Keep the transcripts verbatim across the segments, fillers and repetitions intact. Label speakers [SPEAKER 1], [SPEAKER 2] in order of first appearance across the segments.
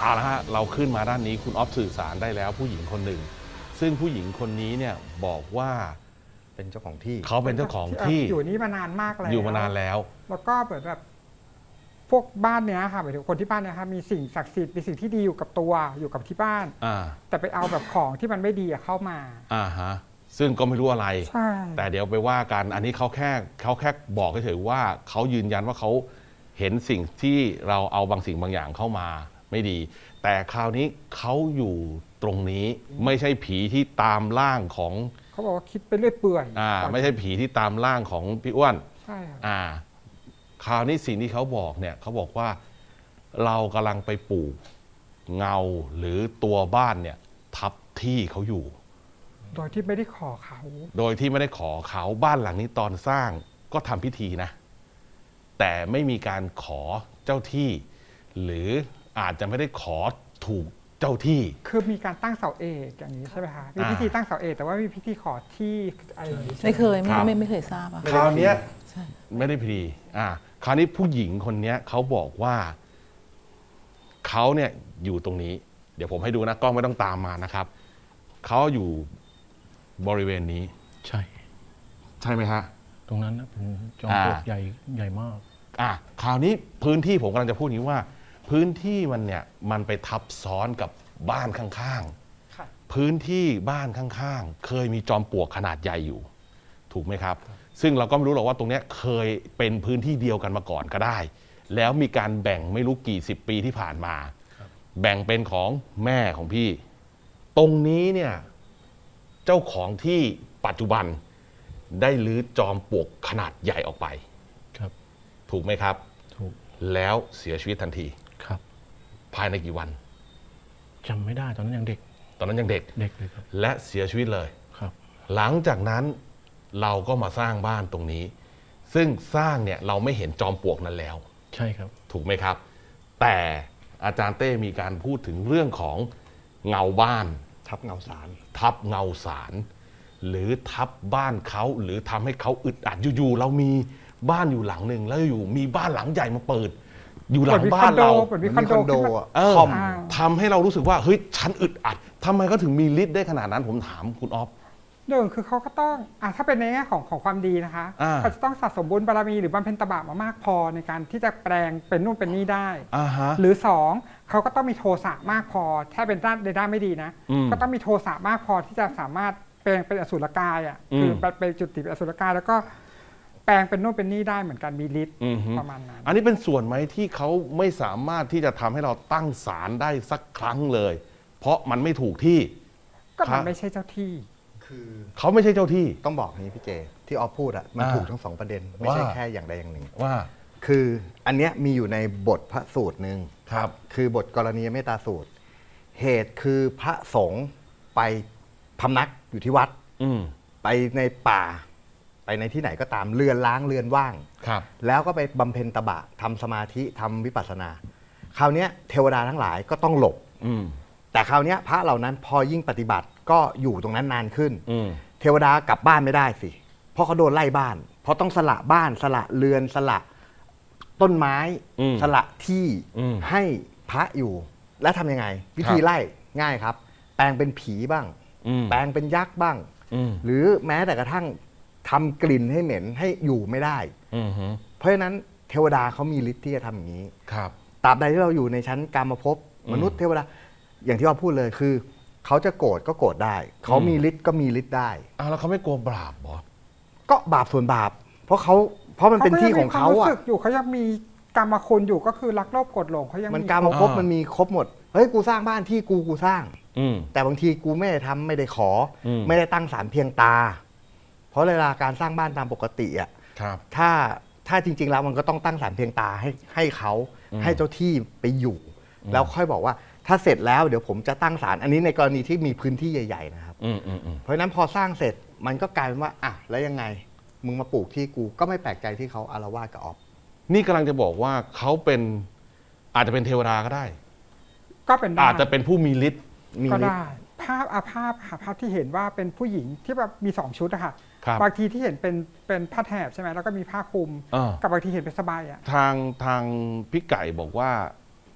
[SPEAKER 1] เอาละฮะเราขึ้นมาด้านนี้คุณออฟสื่อสารได้แล้วผู้หญิงคนหนึ่งซึ่งผู้หญิงคนนี้เนี่ยบอกว่า
[SPEAKER 2] เป็นเจ้าของที่
[SPEAKER 1] เขาเป็นเจ้าของที่
[SPEAKER 3] อยู่นี่มานานมากแล้ว
[SPEAKER 1] อยู่มานานแล้ว
[SPEAKER 3] แล้วก็เหมือนแบบพวกบ้านเนี้ยค่ะหมายถึงคนที่บ้านเนี้ยค่ะมีสิ่งศักดิ์สิทธิ์มีสิ่งที่ดีอยู่กับตัวอยู่กับที่บ้านแต่ไปเอาแบบของที่มันไม่ดีเข้ามา
[SPEAKER 1] อ่าฮะซึ่งก็ไม่รู้อะไร
[SPEAKER 3] ใช่
[SPEAKER 1] แต่เดี๋ยวไปว่ากันอันนี้เขาแค่เขาแค่บอกเฉยๆว่าเขายืนยันว่าเขาเห็นสิ่งที่เราเอาบางสิ่งบางอย่างเข้ามาไม่ดีแต่คราวนี้เขาอยู่ตรงนี้ไม่ใช่ผีที่ตามร่างของ
[SPEAKER 3] เขาบอกว่าคิดไปเรื่อยเปื่อย
[SPEAKER 1] อ่าไม่ใช่ผีที่ตามร่างของพี่อ้วน
[SPEAKER 3] ใช่
[SPEAKER 1] อ่าคราวนี้สิ่งที่เขาบอกเนี่ยเขาบอกว่าเรากำลังไปปลูกเงาหรือตัวบ้านเนี่ยทับที่เขาอยู่
[SPEAKER 3] โดยที่ไม่ได้ขอเขา
[SPEAKER 1] โดยที่ไม่ได้ขอเขาบ้านหลังนี้ตอนสร้างก็ทำพิธีนะแต่ไม่มีการขอเจ้าที่หรืออาจจะไม่ได้ขอถูกเจ้าที่
[SPEAKER 3] คือมีการตั้งเสาเอกอย่างนี้ใช่ไหมคะมีพิธีตั้งเสาเอกแต่ว่ามีพิธีขอที่อะไร
[SPEAKER 4] ไม่เคยไม่ไม่ไม่เคยทราบอะ
[SPEAKER 1] คราวนี้ไม่ได้พิธีอ่าคราวนี้ผู้หญิงคนนี้เขาบอกว่าเขาเนี่ยอยู่ตรงนี้เดี๋ยวผมให้ดูนะกล้องไม่ต้องตามมานะครับเขาอยู่บริเวณนี้
[SPEAKER 5] ใช่
[SPEAKER 1] ใช่ไหมฮะ
[SPEAKER 5] ตรงนั้นนะเป็นจอมปลวกใหญ่ใหญ่มาก
[SPEAKER 1] อ่าคราวนี้พื้นที่ผมกำลังจะพูดนี้ว่าพื้นที่มันเนี่ยมันไปทับซ้อนกับบ้านข้างๆพื้นที่บ้านข้างๆเคยมีจอมปลวกขนาดใหญ่อยู่ถูกไหมครับซึ่งเราก็ไม่รู้หรอกว่าตรงนี้เคยเป็นพื้นที่เดียวกันมาก่อนก็ได้แล้วมีการแบ่งไม่รู้กี่สิบปีที่ผ่านมาแบ่งเป็นของแม่ของพี่ตรงนี้เนี่ยเจ้าของที่ปัจจุบันได้รื้อจอมปลวกขนาดใหญ่ออกไป
[SPEAKER 5] ครับ
[SPEAKER 1] ถูกไหมครับ
[SPEAKER 5] ถูก
[SPEAKER 1] แล้วเสียชีวิตทันที
[SPEAKER 5] ครับ
[SPEAKER 1] ภายในกี่วัน
[SPEAKER 5] จำไม่ได้ตอนนั้นยังเด็ก
[SPEAKER 1] ตอนนั้นยังเด็ก
[SPEAKER 5] เด็กเลยครับ
[SPEAKER 1] และเสียชีวิตเลย
[SPEAKER 5] ครับ
[SPEAKER 1] หลังจากนั้นเราก็มาสร้างบ้านตรงนี้ซึ่งสร้างเนี่ยเราไม่เห็นจอมปลวกนั้นแล้ว
[SPEAKER 5] ใช่ครับ
[SPEAKER 1] ถูกไหมครับแต่อาจารย์เต้มีการพูดถึงเรื่องของเงาบ้าน
[SPEAKER 2] ทับเงาสาร
[SPEAKER 1] ทับเงาสารหรือทับบ้านเขาหรือทำให้เขาอึดอัดอยู่ๆเรามีบ้านอยู่หลังหนึ่งแล้วอยู่มีบ้านหลังใหญ่มาเปิดอยู่หลังบ้านเรา
[SPEAKER 3] เหมือนมีคอนโด
[SPEAKER 1] ทำทำให้เรารู้สึกว่าเฮ้ยฉันอึดอัดทำไมเขาถึงมีฤทธิ์ได้ขนาดนั้นผมถามคุณออฟ
[SPEAKER 3] หนึ่งคือเขาก็ต้องอ่ะถ้าเป็นในแง่ของของความดีนะคะเขาจะต้องสะสมบุญบารมีหรือบำเพ็ญตบะมามากพอในการที่จะแปลงเป็นนู่นเป็นนี่ได้หรือสองเขาก็ต้องมีโทสะมากพอถ้าเป็นด้านในด้านไม่ดีนะก็ต้องมีโทสะมากพอที่จะสามารถแปลงเป็นอสุรกายอ่ะคือเป็นจุติเป็นอสุรกายแล้วก็แปลงเป็นนู่นเป็นนี่ได้เหมือนกันมีฤทธิ์ประมาณนั้น
[SPEAKER 1] อันนี้เป็นส่วนไหมที่เขาไม่สามารถที่จะทำให้เราตั้งศาลได้สักครั้งเลยเพราะมันไม่ถูกที่
[SPEAKER 3] ก็มันไม่ใช่เจ้าที่
[SPEAKER 1] คือเขาไม่ใช่เจ้าที่
[SPEAKER 2] ต้องบอกนี้พี่เจที่ออฟพูดอ่ะมันถูกทั้งสองประเด็นไม่ใช่แค่อย่างใดอย่างหนึ่ง
[SPEAKER 1] ว่า
[SPEAKER 2] คืออันเนี้ยมีอยู่ในบทพระสูตรหนึ่ง
[SPEAKER 1] ครับ
[SPEAKER 2] คือบทกรณียเมตตาสูตรเหตุคือพระสงฆ์ไปพำนักอยู่ที่วัดไปในป่าไปในที่ไหนก็ตามเรือนล้างเรือนว่างแล้วก็ไปบำเพ็ญตบะทำสมาธิทำวิปัสสนาคราวนี้เทวดาทั้งหลายก็ต้องหลบแต่คราวนี้พระเหล่านั้นพอยิ่งปฏิบัติก็อยู่ตรงนั้นนานขึ้นเทวดากลับบ้านไม่ได้สิเพราะเขาโดนไล่บ้านเพราะต้องสละบ้านสละเรือนสละต้นไม้สละที่ให้พระอยู่แล้วทำยังไงวิธีไล่ง่ายครับแปลงเป็นผีบ้างแปลงเป็นยักษ์บ้างหรือแม้แต่กระทั่งทำกลิ่นให้เหม็นให้อยู่ไม่ได้เพราะฉะนั้นเทวดาเขามีฤทธิ์ที่จะทำอย่างนี้ตราบใดที่เราอยู่ในชั้นกามภพมนุษย์เทวดาอย่างที่เราพูดเลยคือเขาจะโกรธก็โกรธได้เขามีฤทธิ์ก็มีฤทธิ์ได้
[SPEAKER 1] อ้าวแล้วเขาไม่กลัวบาปหรอ
[SPEAKER 2] ก็บาปส่วนบาปเพราะเขาเพราะมันเป็นที่ของเขาอ่ะ
[SPEAKER 3] อยู่เขายังมีกรรมคุณอยู่ก็คือรักโลภโกรธหลงเขายัง
[SPEAKER 2] มันกรรมภพมันมีครบหมดเฮ้ยกูสร้างบ้านที่กูกูสร้างแต่บางทีกูไม่ได้ทำไม่ได้ขอไม่ได้ตั้งศาลเพียงตาเพราะเวลาการสร้างบ้านตามปกติอ่ะถ้าถ้าจริงๆแล้วมันก็ต้องตั้งศาลเพียงตาให้ให้เขาให้เจ้าที่ไปอยู่แล้วค่อยบอกว่าถ้าเสร็จแล้วเดี๋ยวผมจะตั้งศาลอันนี้ในกรณีที่มีพื้นที่ใหญ่ๆนะครับเพราะฉะนั้นพอสร้างเสร็จมันก็กลายเป็นว่าอ่ะแล้วยังไงมึงมาปลูกที่กูก็ไม่แปลกใจที่เขาอารวาสกับออฟ
[SPEAKER 1] นี่กำลังจะบอกว่าเขาเป็นอาจจะเป็นเทวดาก็ได้
[SPEAKER 3] ก็เป็น
[SPEAKER 1] อาจจะเป็นผู้มีฤทธิ์
[SPEAKER 3] ก็ได้ภาพอาภาพภาพที่เห็นว่าเป็นผู้หญิงที่แบบมีสองชุดอะค่ะบางทีที่เห็นเป็นเป็นผ้าแถบใช่ไหมแล้วก็มีผ้าคลุมกับบางทีเห็นเป็นสบายอะ
[SPEAKER 1] ทางทางพี่ไก่บอกว่า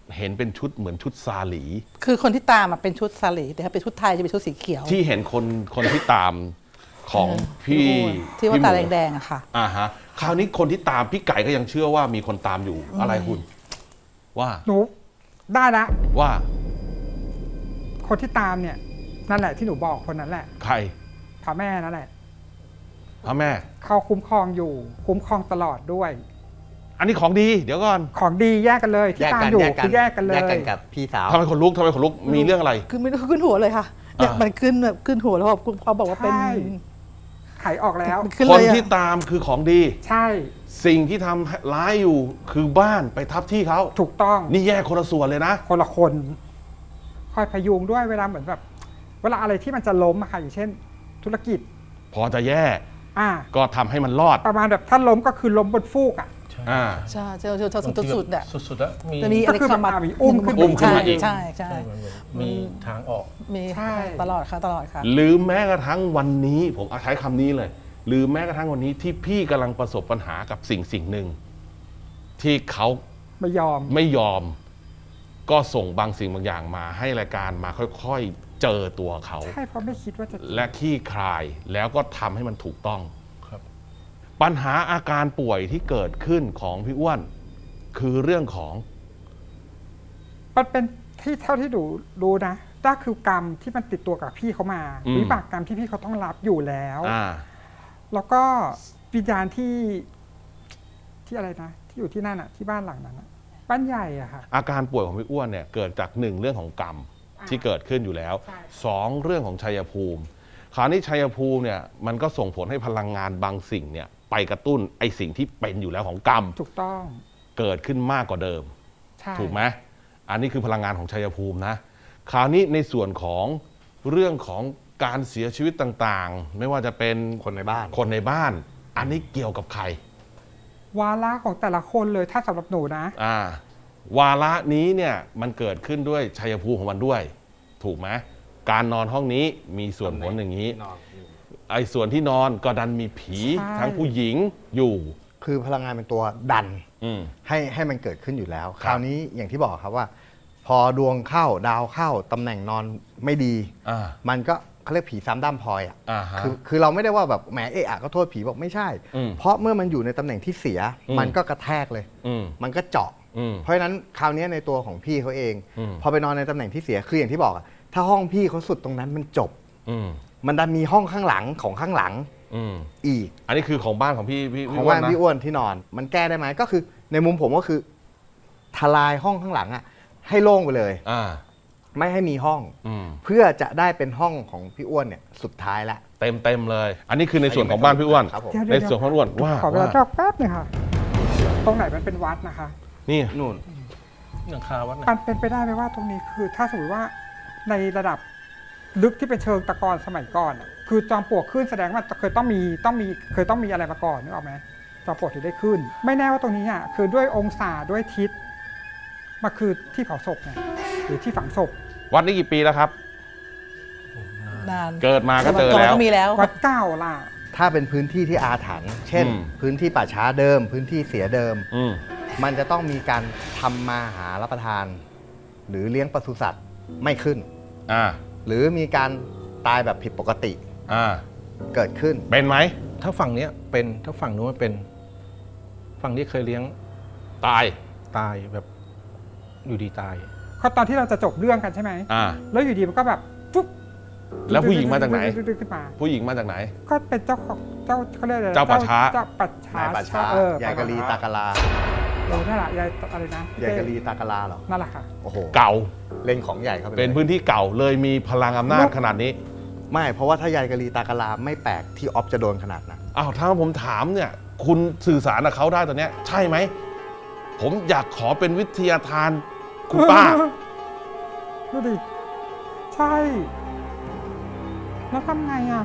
[SPEAKER 1] เห็นเป็นชุดเหมือนชุดซาหลี
[SPEAKER 4] คือคนที่ตามอะเป็นชุดซาลีแต่ถ้าเป็นชุดไทยจะเป็นชุดสีเขียว
[SPEAKER 1] ที่เห็นคนคนที่ตามของพี่
[SPEAKER 4] ที่ว่า
[SPEAKER 1] พี่หมู
[SPEAKER 4] ตาแดงๆอะค่ะ
[SPEAKER 1] อ่าฮะคราวนี้คนที่ตามพี่ไก่ก็ยังเชื่อว่ามีคนตามอยู่อะไรคุณ ว่า
[SPEAKER 3] หนูได้ละ
[SPEAKER 1] ว่า
[SPEAKER 3] คนที่ตามเนี่ยนั่นแหละที่หนูบอกคนนั้นแหละ
[SPEAKER 1] ใคร
[SPEAKER 3] พระแม่นั่นแหละ
[SPEAKER 1] พระแม่
[SPEAKER 3] เขาคุ้มครองอยู่ คุ้มครองตลอดด้วย
[SPEAKER 1] อันนี้ของดีเดี๋ยวก่อน
[SPEAKER 3] ของดีแยกกันเลยที่
[SPEAKER 2] แยก
[SPEAKER 3] ตาม
[SPEAKER 2] กัน
[SPEAKER 3] อยู่
[SPEAKER 2] แยกกัน
[SPEAKER 3] คือแยกกันเลย
[SPEAKER 2] แยกกันกับพี่สาว
[SPEAKER 1] ทำไมคนลุกทำไมคนลุกมีเรื่องอะไร
[SPEAKER 4] คือไม่รู้ขึ้นหัวเลยค่ะเนี่ย
[SPEAKER 1] อ่ามั
[SPEAKER 4] มันขึ้นแบบขึ้นหัวแล้วพอพอบอกว่าเป็น
[SPEAKER 3] ใช่ ไขออกแล้ว
[SPEAKER 4] มันขึ้น
[SPEAKER 1] ค
[SPEAKER 4] เล
[SPEAKER 1] น
[SPEAKER 4] ยอะ
[SPEAKER 1] ที่ตามคือของดี
[SPEAKER 3] ใช่
[SPEAKER 1] สิ่งที่ทำร้ายอยู่คือบ้านไปทับที่เขา
[SPEAKER 3] ถูกต้อง
[SPEAKER 1] นี่แยกคนละส่วนเลยนะ
[SPEAKER 3] คนละคน คอยพยุงด้วยเวลาเหมือนแบบ เวลาอะไรที่มันจะล้มอะค่ะอย่างเช่น ธุรกิจ
[SPEAKER 1] พอจะแย่
[SPEAKER 3] อ่า
[SPEAKER 1] ก็ทำให้มันรอด
[SPEAKER 3] ประมาณแบบถ้าล้มก็คือล้มบนฟูกอ่ะ
[SPEAKER 5] ใช่
[SPEAKER 1] อ่า
[SPEAKER 4] ใช่เจ้าเจ้าเจ้าสุดสุดๆอะ
[SPEAKER 5] สุดๆแล้วมี
[SPEAKER 4] จะมีอะไร
[SPEAKER 3] ก็คือ
[SPEAKER 4] เข้ามา
[SPEAKER 3] แบบอ่ะมีอุ้มขึ้น
[SPEAKER 1] อุ้มขึ้นมาอีก
[SPEAKER 4] ใช่ใช่
[SPEAKER 5] ใช่มันเหมือนมีทางออก
[SPEAKER 4] มี
[SPEAKER 3] ใช่
[SPEAKER 4] ตลอดค่ะตลอดค่ะ
[SPEAKER 1] หรือแม้กระทั่งวันนี้ผมเอาใช้คำนี้เลย หรือแม้กระทั่งวันนี้ที่พี่กำลังประสบปัญหากับสิ่งสิ่งหนึ่ง ที่เขา
[SPEAKER 3] ไม่ยอม
[SPEAKER 1] ไม่ยอม ก็ส่งบางสิ่งบางอย่างมาให้รายการมาค่อยๆเจอตัวเขา
[SPEAKER 3] ใช่เพราะไม่คิดว่าจะ
[SPEAKER 1] และขี้คลายแล้วก็ทำให้มันถูกต้อง
[SPEAKER 5] ครับ
[SPEAKER 1] ปัญหาอาการป่วยที่เกิดขึ้นของพี่อ้วน คือเรื่องของ
[SPEAKER 3] มันเป็นที่เท่าที่ดูรู้นะนั่นคือกรรมที่มันติดตัวกับพี่เขามา
[SPEAKER 1] อืม
[SPEAKER 3] วิบากกรรมที่พี่เขาต้องรับอยู่แล้ว
[SPEAKER 1] อ่า
[SPEAKER 3] แล้วก็วิญญาณที่ที่อะไรนะ ที่อยู่ที่นั่นอะที่บ้านหลังนั้นอะบ้านใหญ่อะค่ะ
[SPEAKER 1] อาการป่วยของพี่อ้วนเนี่ยเกิดจากหนึ่งเรื่องของกรรม
[SPEAKER 3] อ่า
[SPEAKER 1] ที่เกิดขึ้นอยู่แล้ว
[SPEAKER 3] ใช่
[SPEAKER 1] สองเรื่องของชัยภูมิ คราวนี้ชัยภูมิเนี่ยมันก็ส่งผลให้พลังงานบางสิ่งเนี่ยไปกระตุ้นไอสิ่งที่เป็นอยู่แล้วของกรรม
[SPEAKER 3] ถูกต้อง
[SPEAKER 1] เกิดขึ้นมากกว่าเดิม
[SPEAKER 3] ใช่
[SPEAKER 1] ถูกไหมอันนี้คือพลังงานของชัยภูมินะ คราวนี้ในส่วนของเรื่องของการเสียชีวิตต่างๆ ไม่ว่าจะเป็น
[SPEAKER 2] คนในบ้าน
[SPEAKER 1] คนในบ้าน อันนี้เกี่ยวกับใคร
[SPEAKER 3] วาระของแต่ละคนเลยถ้าสำหรับหนูนะ
[SPEAKER 1] อ่าวาระนี้เนี่ยมันเกิดขึ้นด้วยชัยภูมิของมันด้วย ถูกไหมการนอนห้องนี้มีส่วนผลอย่างนี้ ไอ้ส่วนที่นอนก็ดันมีผี
[SPEAKER 3] ใช่
[SPEAKER 1] ทั้งผู้หญิงอยู่
[SPEAKER 2] คือพลังงานเป็นตัวดัน
[SPEAKER 1] อืม
[SPEAKER 2] ให้ให้มันเกิดขึ้นอยู่แล้ว
[SPEAKER 1] ครับ
[SPEAKER 2] คราวนี้อย่างที่บอกครับว่า พอดวงเข้าดาวเข้าตำแหน่งนอนไม่ดี
[SPEAKER 1] อ่า
[SPEAKER 2] มันก็เขาเรียกผีซ้ำด้ามพลอยอ่ะ
[SPEAKER 1] อ่าฮะ
[SPEAKER 2] คือคือเราไม่ได้ว่าแบบแหมเอะอะก็โทษผีบอกไม่ใช่
[SPEAKER 1] อืม
[SPEAKER 2] เพราะเมื่อมันอยู่ในตำแหน่งที่เสีย
[SPEAKER 1] อืม
[SPEAKER 2] มันก็กระแทกเลย
[SPEAKER 1] อืม
[SPEAKER 2] มันก็เจาะ
[SPEAKER 1] อืม
[SPEAKER 2] เพราะฉะนั้นคราวนี้ในตัวของพี่เขาเอง
[SPEAKER 1] อืม
[SPEAKER 2] พอไปนอนในตำแหน่งที่เสียคืออย่างที่บอกอะถ้าห้องพี่เขาสุดตรงนั้นมันจบ
[SPEAKER 1] อืม
[SPEAKER 2] มันดันมีห้องข้างหลังของข้างหลัง
[SPEAKER 1] อืม
[SPEAKER 2] อีก
[SPEAKER 1] อันนี้คือของบ้านของพี่พี่
[SPEAKER 2] ข
[SPEAKER 1] พี่
[SPEAKER 2] อง
[SPEAKER 1] อ้ว
[SPEAKER 2] บ้าน น
[SPEAKER 1] นะ
[SPEAKER 2] พี่อ้วนที่นอน มันแก้ได้ไหมก็คือในมุมผมก็คือทลายห้องข้างหลังอ่ะให้โล่งไปเลย
[SPEAKER 1] อ่า
[SPEAKER 2] ไม่ให้มีห้อง
[SPEAKER 1] อืม
[SPEAKER 2] เพื่อจะได้เป็นห้องของพี่อ้วนเนี่ยสุดท้ายละ
[SPEAKER 1] เต็มเต็มเลย อันนี้คือในส่วนของบ้านพี่อ้วน
[SPEAKER 2] ครับผม
[SPEAKER 3] เดี๋ยว
[SPEAKER 1] ในส่วนของพี่อ้วนว่า
[SPEAKER 3] ขอเวลา
[SPEAKER 1] ว่า
[SPEAKER 3] จอกแป๊บหนึงค่ะ ตรงไหนมันเป็นวัดนะคะ
[SPEAKER 1] นี่
[SPEAKER 2] นู่น
[SPEAKER 5] หลังคาวัดนะ
[SPEAKER 3] มันเป็นไปได้ไหมว่าตรงนี้คือ ถ้าสมมติว่าในระดับลึกที่เป็นเชิงตะกอนสมัยก่อนอะคือจอมปลวกขึ้นแสดงว่าเคยต้องมีต้องมีเคยต้องมีอะไรมาก่อนนึกออกไหมจอมปลวกถึงได้ขึ้น ไม่แน่ว่าตรงนี้อ่ะคือด้วยองศาด้วยทิศมาคือที่เผาศพไงหรือที่ฝังศพ
[SPEAKER 1] วัดนี้กี่ปีแล้วครับ
[SPEAKER 4] นาน
[SPEAKER 1] เกิดมาก็เจอแล้ว
[SPEAKER 4] ก็มีแล้ว
[SPEAKER 3] วัดเก้าล่ะ
[SPEAKER 2] ถ้าเป็นพื้นที่ที่อาถรรพ์เช่น
[SPEAKER 1] อืม
[SPEAKER 2] พื้นที่ป่าช้าเดิม พื้นที่เสียเดิม
[SPEAKER 1] อืม
[SPEAKER 2] มันจะต้องมีการทำมาหารับประทาน หรือเลี้ยงปศุสัตว์ไม่ขึ้น
[SPEAKER 1] อ่า
[SPEAKER 2] หรือมีการตายแบบผิดปกติ
[SPEAKER 1] อ่า
[SPEAKER 2] เกิดขึ้น
[SPEAKER 1] เป็นไหม
[SPEAKER 5] ถ้าฝั่งเนี้ยเป็นถ้าฝั่งนู้นไม่เป็น ฝั่งนี้เคยเลี้ยง
[SPEAKER 1] ตาย
[SPEAKER 5] ตายแบบอยู่ดีตาย
[SPEAKER 3] เขาตอนที่เราจะจบเรื่องกันใช่ไหม
[SPEAKER 1] อ่า
[SPEAKER 3] แล้วอยู่ดีมันก็แบบปุ๊บ
[SPEAKER 1] แล้วผู้หญิงมาจากไหน
[SPEAKER 3] ดึ๊ดๆขึ้นมา
[SPEAKER 1] ผู้หญิงมาจากไหน
[SPEAKER 3] ก็เป็นเจ้าของเจ้าเขาเรียกอะไร
[SPEAKER 1] เจ้าป่าช้า
[SPEAKER 3] เจ้าป่าช้าน
[SPEAKER 2] ายป่าช้า
[SPEAKER 3] เออย
[SPEAKER 2] ายกะลีตากะลา
[SPEAKER 3] เออนั่นแหละยายอะไรนะ
[SPEAKER 2] ยายกะลีตากะลาเหรอ
[SPEAKER 3] นั่นแหละค่ะ
[SPEAKER 2] โอ้โห
[SPEAKER 1] เก่า
[SPEAKER 2] เล่นของใหญ่เข้าไปลย
[SPEAKER 1] เป็นพื้นที่เก่าเลยมีพลังอำนาจขนาดนี้
[SPEAKER 2] ไม่ เพราะว่าถ้ายายกะลีตากะลาไม่แปลกที่ออฟจะโดนขนาดนั้น
[SPEAKER 1] อ้าวถ้าผมถามเนี่ย คุณสื่อสารกับเขาได้ตอนเนี้ย ใช่ไหม ผมอยากขอเป็นวิทยาทานคุณป้า
[SPEAKER 3] ดูดิ ใช่ แล้วทำไงอ่ะ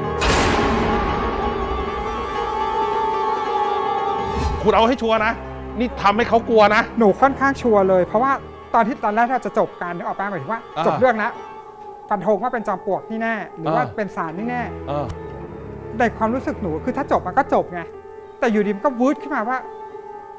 [SPEAKER 1] คุณเอาให้ชัวร์นะ นี่ทำให้เขากลัวนะ
[SPEAKER 3] หนูค่อนข้างชัวร์เลย เพราะว่าตอนที่ตอนแรกเราจะจบการนึกออกป่ะหมายถึงว่า
[SPEAKER 1] อ่า
[SPEAKER 3] จบเรื่องแล้วฟันธงว่าเป็นจอมปลวกนี่แน่ หรือว่า
[SPEAKER 1] อ่า
[SPEAKER 3] เป็นสารนี่แน่
[SPEAKER 1] เออ
[SPEAKER 3] ในความรู้สึกหนูคือถ้าจบมันก็จบไง แต่อยู่ดีมันก็วืดขึ้นมาว่า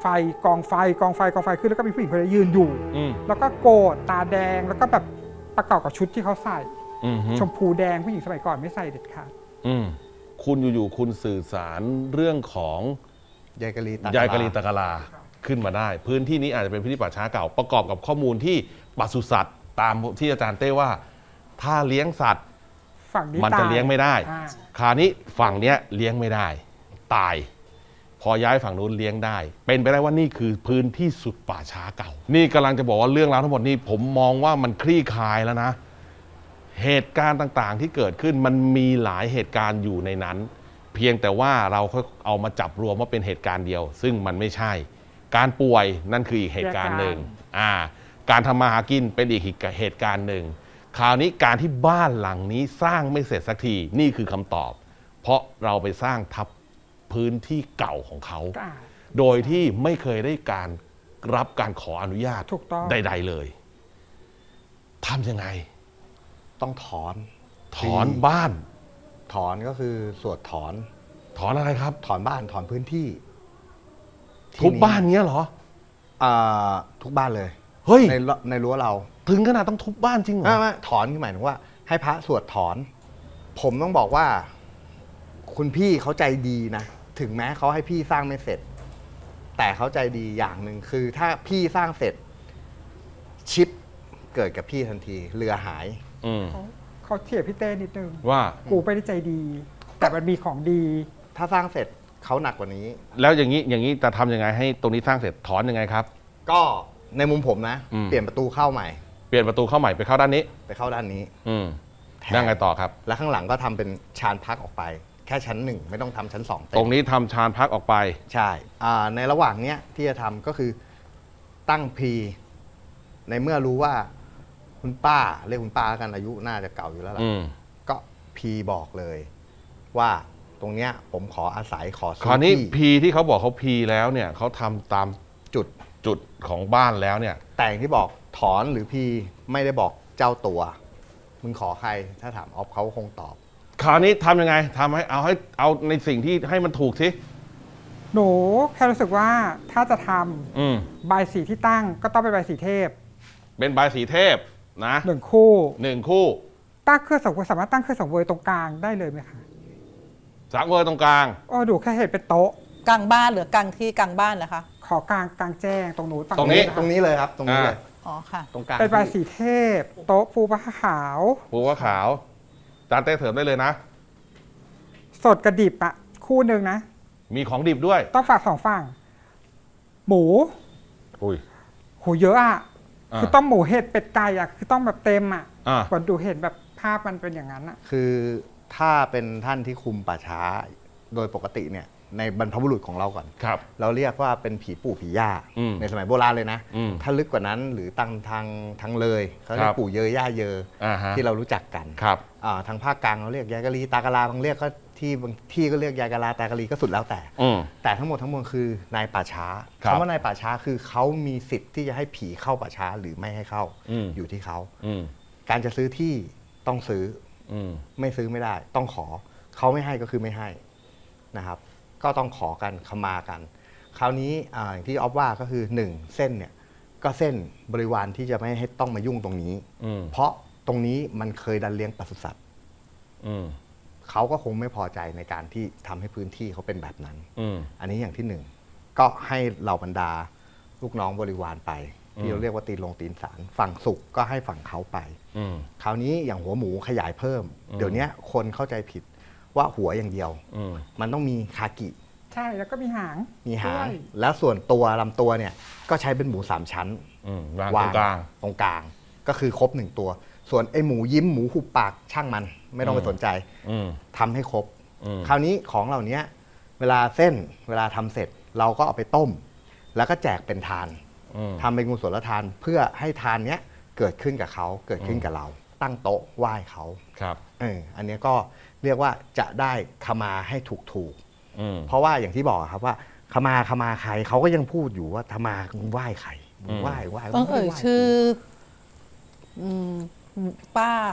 [SPEAKER 3] ไฟกองไฟกองไฟกองไฟขึ้นแล้วก็มีผู้หญิงคนนี้ยืนอยู่
[SPEAKER 1] อืม
[SPEAKER 3] แล้วก็โกรธตาแดงแล้วก็แบบประกอบกับชุดที่เขาใส่
[SPEAKER 1] อืมฮึ
[SPEAKER 3] ชมพูแดงผู้หญิงสมัยก่อนไม่ใส่เด็ดขาด
[SPEAKER 1] อืมคุณอยู่ๆคุณสื่อสารเรื่องของ
[SPEAKER 2] ยายกะลีต
[SPEAKER 1] ยายกะลีตะกะลาขึ้นมาได้ พื้นที่นี้อาจจะเป็นพื้นที่ป่าช้าเก่าประกอบกับข้อมูลที่ปศุสัตว์ตามที่อาจารย์เต้ว่า ถ้าเลี้ยงสัตว์
[SPEAKER 3] ฝั่งนี้
[SPEAKER 1] มันจะ
[SPEAKER 3] ตา
[SPEAKER 1] เลี้ยงไม่ได้
[SPEAKER 3] อ่า
[SPEAKER 1] คราวนี้ฝั่งเนี้ยเลี้ยงไม่ได้ ตาย พอย้ายฝั่งนู้นเลี้ยงได้ เป็นไปได้ว่านี่คือพื้นที่สุดป่าช้าเก่า นี่กำลังจะบอกว่าเรื่องราวทั้งหมดนี้ผมมองว่ามันคลี่คลายแล้วนะ เหตุการณ์ต่างๆที่เกิดขึ้นมันมีหลายเหตุการณ์อยู่ในนั้น เพียงแต่ว่าเราค่อยเอามาจับรวมว่าเป็นเหตุการณ์เดียว ซึ่งมันไม่ใช่ การป่วยนั่นคืออีกเหตุการณ์หนึ่งอ่าการทำมาหากินเป็นอีกเหตุการณ์หนึ่งคราวนี้การที่บ้านหลังนี้สร้างไม่เสร็จสักทีนี่คือคำตอบ เพราะเราไปสร้างทับพื้นที่เก่าของเขา
[SPEAKER 3] อ่า
[SPEAKER 1] โดยที่ไม่เคยได้การรับการขออนุญาต
[SPEAKER 3] ถูกต้อง
[SPEAKER 1] ใด ๆเลยทำยังไง
[SPEAKER 2] ต้องถอน
[SPEAKER 1] ถอนบ้าน
[SPEAKER 2] ถอนก็คือสวดถอน
[SPEAKER 1] ถอนอะไรครับ
[SPEAKER 2] ถอนบ้านถอนพื้นที่
[SPEAKER 1] ทุบบ้านเงี้ยเหรอ
[SPEAKER 2] อ่าทุกบ้านเลย
[SPEAKER 1] เฮ้ย
[SPEAKER 2] ในรั้วในรั้วเรา
[SPEAKER 1] ถึงขนาดต้องทุบบ้านจริงเหร
[SPEAKER 2] ไม่
[SPEAKER 1] อ
[SPEAKER 2] ไม่ถอนคือหมายถึงว่า ให้พระสวดถอน ผมต้องบอกว่า คุณพี่เขาใจดีนะ ถึงแม้เขาให้พี่สร้างไม่เสร็จ แต่เขาใจดีอย่างหนึ่งคือ ถ้าพี่สร้างเสร็จ ชิปเกิดกับพี่ทันที เรือหาย
[SPEAKER 1] อืม
[SPEAKER 3] เขาเขาเทียบพี่เต้นิดนึง
[SPEAKER 1] ว่า
[SPEAKER 3] กูไม่ได้ใจดี แต่มันมีของดี
[SPEAKER 2] ถ้าสร้างเสร็จเขาหนักกว่านี้
[SPEAKER 1] แล้วอย่างนี้อย่างนี้จะทำยังไงให้ตรงนี้สร้างเสร็จถอนยังไงครับ
[SPEAKER 2] ก็ในมุมผมนะ
[SPEAKER 1] อืม
[SPEAKER 2] เปลี่ยนประตูเข้าใหม่
[SPEAKER 1] เปลี่ยนประตูเข้าใหม่ไปเข้าด้านนี้
[SPEAKER 2] ไปเข้าด้านนี้
[SPEAKER 1] อืม
[SPEAKER 2] แทน
[SPEAKER 1] นั่งไงต่อครับ
[SPEAKER 2] แล้วข้างหลังก็ทำเป็นชานพักออกไป แค่ชั้นหนึ่งไม่ต้องทำชั้นสองเต็ม
[SPEAKER 1] ตรงนี้ทำชานพักออกไป
[SPEAKER 2] ใช่อ่าในระหว่างเนี้ยที่จะทำก็คือตั้งพีในเมื่อรู้ว่าคุณป้าเรียกคุณป้าแล้วกันอายุน่าจะเก่าอยู่แล้วล่ะ
[SPEAKER 1] อืม
[SPEAKER 2] ก็พีบอกเลย ว่าตรงเนี้ยผมขออาศัยขอ
[SPEAKER 1] ค
[SPEAKER 2] ซื้
[SPEAKER 1] ราวนี้
[SPEAKER 2] ที่
[SPEAKER 1] พีที่เขาบอกเขาพีแล้วเนี่ยเขาทำตาม
[SPEAKER 2] จุด
[SPEAKER 1] จุดของบ้านแล้วเนี่ย
[SPEAKER 2] แต่งที่บอกถอนหรือพีไม่ได้บอกเจ้าตัว มึงขอใครถ้าถามออฟเขาคงตอบ
[SPEAKER 1] คราวนี้ทำยังไงทำให้เอาให้เอาในสิ่งที่ให้มันถูกสิ
[SPEAKER 3] หนูแค่รู้สึกว่าถ้าจะท
[SPEAKER 1] อืม
[SPEAKER 3] ำบายสีที่ตั้งก็ต้องเป็นบายสีเทพ
[SPEAKER 1] เป็นใบายสีเทพนะ
[SPEAKER 3] หนึ่งคู่
[SPEAKER 1] หนึ่งคู่
[SPEAKER 3] ตั้งเครื่องสังเวยสามารถตั้งเครื่องสังเวยตรงกลางได้เลยไหมคะ
[SPEAKER 1] สังเวยตรงกลาง
[SPEAKER 3] โอ้ดูแค่เห็นเป็นโต๊ะ
[SPEAKER 4] กลางบ้านหรือกลางที่กลางบ้านนะคะ
[SPEAKER 3] ขอกลางกลางแจ้งตรงหนูฝั่
[SPEAKER 1] ตรงนี้
[SPEAKER 3] ะคะ
[SPEAKER 2] ตรงนี้เลยครับ ตรงนี้เลย
[SPEAKER 4] อ๋อค่ะ
[SPEAKER 2] ตรงกลาง
[SPEAKER 3] เป็นบายสีเทพ โต๊ะปูผ้าขาว
[SPEAKER 1] ปูว่าขาวจานเต้เถิมได้เลยนะ
[SPEAKER 3] สดกระดิบอะคู่หนึ่งนะ
[SPEAKER 1] มีของดิบด้วย
[SPEAKER 3] ต้องฝากสองฝั่ง หมู
[SPEAKER 1] อุ้ย
[SPEAKER 3] โหเยอะอะ
[SPEAKER 1] อ่า
[SPEAKER 3] คือต้องหมูเห็ดเป็ดไก่อะคือต้องแบบเต็มอะ
[SPEAKER 1] อ่า
[SPEAKER 3] ก่อนดูเห็นแบบภาพมันเป็นอย่างนั้นอะ
[SPEAKER 2] คือถ้าเป็นท่านที่คุมป่าช้าโดยปกติเนี่ยในบรรพบุรุษของเราก่อน
[SPEAKER 1] ครับ
[SPEAKER 2] เราเรียกว่าเป็นผีปู่ผีย่า
[SPEAKER 1] อืม
[SPEAKER 2] ในสมัยโบราณเลยนะ
[SPEAKER 1] อืม
[SPEAKER 2] ถ้าลึกกว่านั้นหรือตังทางทางเลยเขาเรีย
[SPEAKER 1] ค
[SPEAKER 2] ก
[SPEAKER 1] รับ
[SPEAKER 2] ปู่เยยย่าเยอ
[SPEAKER 1] อ่าฮะ
[SPEAKER 2] ที่เรารู้จักกัน
[SPEAKER 1] ครับ
[SPEAKER 2] อ่าทางภาคกลางเราเรียกยายกะลีตากะลาบางเรียกก็ที่บางที่ก็เรียกยายกะลาตากะลีก็สุดแล้วแต่
[SPEAKER 1] อืม
[SPEAKER 2] แต่ทั้งหมดทั้งมวลคือนายป่าช้า
[SPEAKER 1] ครับ
[SPEAKER 2] คำว่านายป่าช้าคือเขามีสิทธิ์ที่จะให้ผีเข้าป่าช้าหรือไม่ให้เข้า
[SPEAKER 1] อืม
[SPEAKER 2] อยู่ที่เขา
[SPEAKER 1] อืม
[SPEAKER 2] การจะซื้อที่ต้องซื้อ
[SPEAKER 1] อืม
[SPEAKER 2] ไม่ซื้อไม่ได้ ต้องขอเขาไม่ให้ก็คือไม่ให้นะครับ ก็ต้องขอกันขมากัน คราวนี้อาอย่างที่ออฟว่าก็คือหนึ่งเส้นเนี่ยก็เส้นบริวารที่จะไม่ให้ต้องมายุ่งตรงนี้
[SPEAKER 1] อืม
[SPEAKER 2] เพราะตรงนี้มันเคยดันเลี้ยงปศุสัตว์
[SPEAKER 1] อืม
[SPEAKER 2] เขาก็คงไม่พอใจในการที่ทำให้พื้นที่เขาเป็นแบบนั้น
[SPEAKER 1] อืม
[SPEAKER 2] อันนี้อย่างที่หนึ่งก็ให้เหล่าบรรดาลูกน้องบริวารไป ที่
[SPEAKER 1] อืม
[SPEAKER 2] เราเรียกว่าตีนลงตีนสารฝั่งสุขก็ให้ฝั่งเขาไป
[SPEAKER 1] อืม
[SPEAKER 2] คราวนี้อย่างหัวหมูขยายเพิ่ม
[SPEAKER 1] อืม
[SPEAKER 2] เดี๋ยวนี้คนเข้าใจผิดว่าหัวอย่างเดียว
[SPEAKER 1] อืม
[SPEAKER 2] มันต้องมีคากิ
[SPEAKER 3] ใช่แล้วก็มีหาง
[SPEAKER 2] มีหาง
[SPEAKER 3] ด้วย
[SPEAKER 2] แล้วส่วนตัวลำตัวเนี่ยก็ใช้เป็นหมูสามชั้น
[SPEAKER 1] อืมวางตรงกลาง
[SPEAKER 2] ตรงกลาง ก็คือครบหนึ่งตัว ส่วนไอ้หมูยิ้มหมูหุบปากช่างมัน ไม่ต้องไป
[SPEAKER 1] อืม
[SPEAKER 2] สนใจ
[SPEAKER 1] อืม
[SPEAKER 2] ทำให้ครบ
[SPEAKER 1] อืม
[SPEAKER 2] คราวนี้ของเหล่านี้เวลาเส้นเวลาทำเสร็จเราก็เอาไปต้ม แล้วก็แจกเป็นทาน
[SPEAKER 1] อืม
[SPEAKER 2] ทำเป็นกุศลทานเพื่อให้ทานเนี้ยเกิดขึ้นกับเขาเกิดขึ้นกับเรา ตั้งโต๊ะไหว้เขา
[SPEAKER 1] ครับ
[SPEAKER 2] เอออันเนี้ยก็เรียกว่าจะได้ขมาให้ถูกถูกๆ
[SPEAKER 1] อืม
[SPEAKER 2] เพราะว่าอย่างที่บอกอะครับว่าขมาขมาใครเขาก็ยังพูดอยู่ว่าธมามึงไหว้ใครมึงไหว้ไหว้
[SPEAKER 4] ต้องเอ่ย
[SPEAKER 2] ไม่ได้ไหว้
[SPEAKER 4] ชื่ออืมป้า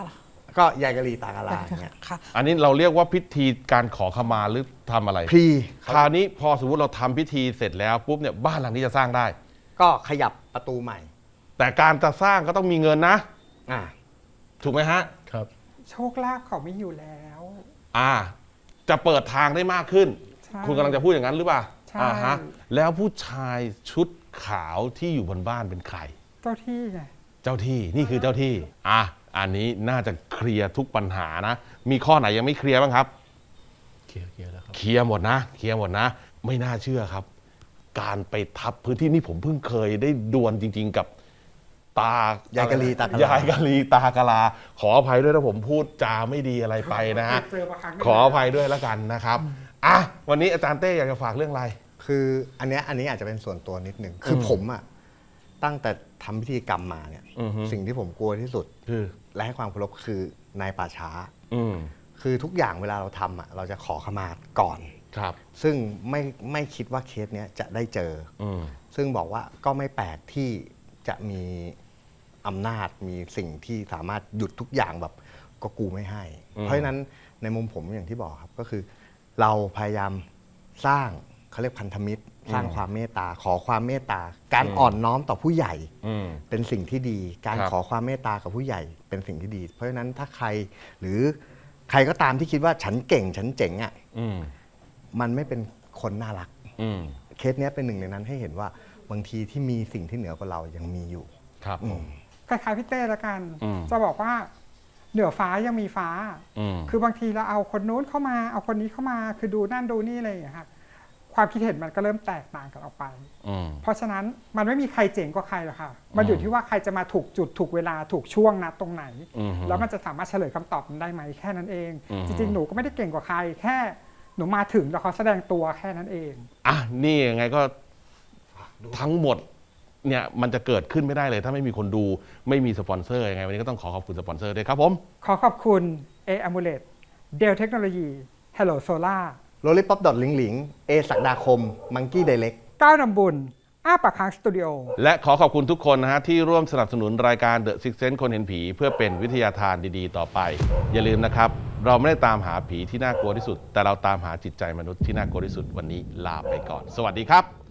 [SPEAKER 2] ก็ยายกะลีตากะลาอย่างเงี้ย
[SPEAKER 4] ค่ะ
[SPEAKER 1] อันนี้เราเรียกว่าพิธีการขอขมาหรือทำอะไร
[SPEAKER 2] พรี
[SPEAKER 1] คราวนี้พอสมมติเราทำพิธีเสร็จแล้วปุ๊บเนี่ยบ้านหลังนี้จะสร้างได้
[SPEAKER 2] ก็ขยับประตูใหม่
[SPEAKER 1] แต่การจะสร้างก็ต้องมีเงินนะ
[SPEAKER 2] อ่า
[SPEAKER 1] ถูกไหมฮะ
[SPEAKER 5] ครับ
[SPEAKER 3] โชคลาภเขาไม่อยู่แล้ว
[SPEAKER 1] อ่า จะเปิดทางได้มากขึ้น
[SPEAKER 3] ใช่
[SPEAKER 1] คุณกำลังจะพูดอย่างนั้นหรือเปล่า
[SPEAKER 3] ใช่
[SPEAKER 1] อ่าฮะแล้วผู้ชายชุดขาวที่อยู่บนบ้านเป็นใคร
[SPEAKER 3] เจ้าที่ไง
[SPEAKER 1] เจ้าที่นี่คือเจ้าที่ อ่ะอันนี้น่าจะเคลียร์ทุกปัญหานะ มีข้อไหนยังไม่เคลียร์บ้างครับ
[SPEAKER 5] เคลียร์เคลียร์แล้วครับ
[SPEAKER 1] เคลียร์หมดนะ เคลียร์หมดนะ ไม่น่าเชื่อครับ การไปทับพื้นที่นี่ผมเพิ่งเคยได้ดวลจริง ๆ กับตาย
[SPEAKER 2] ายกะลีตากะลาย
[SPEAKER 1] ายกะลีตากะลา ขออภัยด้วยถ้าผมพูดจาไม่ดีอะไรไปนะฮะ
[SPEAKER 3] เจอมาครั้งหนึ่ง
[SPEAKER 1] ขออภัยด้วยแล้วกันนะครับอ่ะวันนี้อาจารย์เต้อยากจะฝากเรื่องอะไร
[SPEAKER 2] คืออันเนี้ยอันนี้อาจจะเป็นส่วนตัวนิดหนึ่งคือผมอะตั้งแต่ทำพิธีกรรมมาเนี่ย
[SPEAKER 1] อือฮึ
[SPEAKER 2] สิ่งที่ผมกลัวที่สุด
[SPEAKER 1] คือ
[SPEAKER 2] และให้ความเคารพคือนายป่าช้า
[SPEAKER 1] อืม
[SPEAKER 2] คือทุกอย่างเวลาเราทำอะเราจะขอขมาก่อน
[SPEAKER 1] ครับ
[SPEAKER 2] ซึ่งไม่ไม่คิดว่าเคสเนี้ยจะได้เจอ
[SPEAKER 1] อืม
[SPEAKER 2] ซึ่งบอกว่าก็ไม่แปลกที่จะมีอำนาจมีสิ่งที่สามารถหยุดทุกอย่างแบบก็กูไม่ให้
[SPEAKER 1] อืม
[SPEAKER 2] เพราะฉะนั้นในมุมผมอย่างที่บอกครับก็คือ เราพยายามสร้างเขาเรียกพันธมิตร สร้างความเมตตา ขอความเมตตา การอ่อนน้อมต่อผู้ใหญ่
[SPEAKER 1] อืม
[SPEAKER 2] เป็นสิ่งที่ดี การ
[SPEAKER 1] ครับ
[SPEAKER 2] ขอความเมตตากับผู้ใหญ่เป็นสิ่งที่ดี เพราะฉะนั้นถ้าใครหรือใครก็ตามที่คิดว่าฉันเก่งฉันเจ๋งอ่ะ
[SPEAKER 1] อืม
[SPEAKER 2] มันไม่เป็นคนน่ารัก
[SPEAKER 1] อืม
[SPEAKER 2] เคสเนี้ยเป็นหนึ่งในนั้นให้เห็นว่าบางทีที่มีสิ่งที่เหนือกว่าเรายังมีอยู่
[SPEAKER 1] ครับผม
[SPEAKER 3] คล้ายๆพี่เต้ละกัน
[SPEAKER 1] อืม
[SPEAKER 3] จะบอกว่าเหนือฟ้ายังมีฟ้า
[SPEAKER 1] อืม
[SPEAKER 3] คือบางทีเราเอาคนนู้นเข้ามา เอาคนนี้เข้ามา คือดูนั่นดูนี่อะไรอย่างเงี้ยค่ะ ความคิดเห็นมันก็เริ่มแตกต่างกันออกไป
[SPEAKER 1] อืม
[SPEAKER 3] เพราะฉะนั้นมันไม่มีใครเจ๋งกว่าใครหรอกค่ะ มันอยู่ที่ว่าใครจะมาถูกจุดถูกเวลาถูกช่วงนัดตรงไหน
[SPEAKER 1] อืม
[SPEAKER 3] แล้วมันจะสามารถเฉลยคำตอบมันได้ไหมแค่นั้นเอง
[SPEAKER 1] อืม
[SPEAKER 3] จริงๆ หนูก็ไม่ได้เก่งกว่าใคร แค่หนูมาถึงแล้วเขาแสดงตัวแค่นั้นเอง
[SPEAKER 1] อ่ะนี่ยังไงก็ทั้งหมดเนี่ยมันจะเกิดขึ้นไม่ได้เลย ถ้าไม่มีคนดูไม่มีสปอนเซอร์ยังไงวันนี้ก็ต้องขอขอบคุณสปอนเซอร์ด้วยครับผม
[SPEAKER 3] ขอขอบคุณ A Amulet Dell Technology Hello Solar
[SPEAKER 2] โรลิป o อ d ดอทลิงลิงเอศักดาคม มังกี้ไดเล็ก
[SPEAKER 3] ก้าวนำบุญ อ้าปากค้างสตูดิโอ
[SPEAKER 1] และขอขอบคุณทุกคนนะฮะที่ร่วมสนับสนุนรายการ The Six Sense คนเห็นผี เพื่อเป็นวิทยาทานดีๆ ต่อไป อย่าลืมนะครับ เราไม่ได้ตามหาผีที่น่ากลัวที่สุด แต่เราตามหาจิตใจมนุษย์ที่น่ากลัวที่สุดวันนี้ลาไปก่อน สวัสดีครับ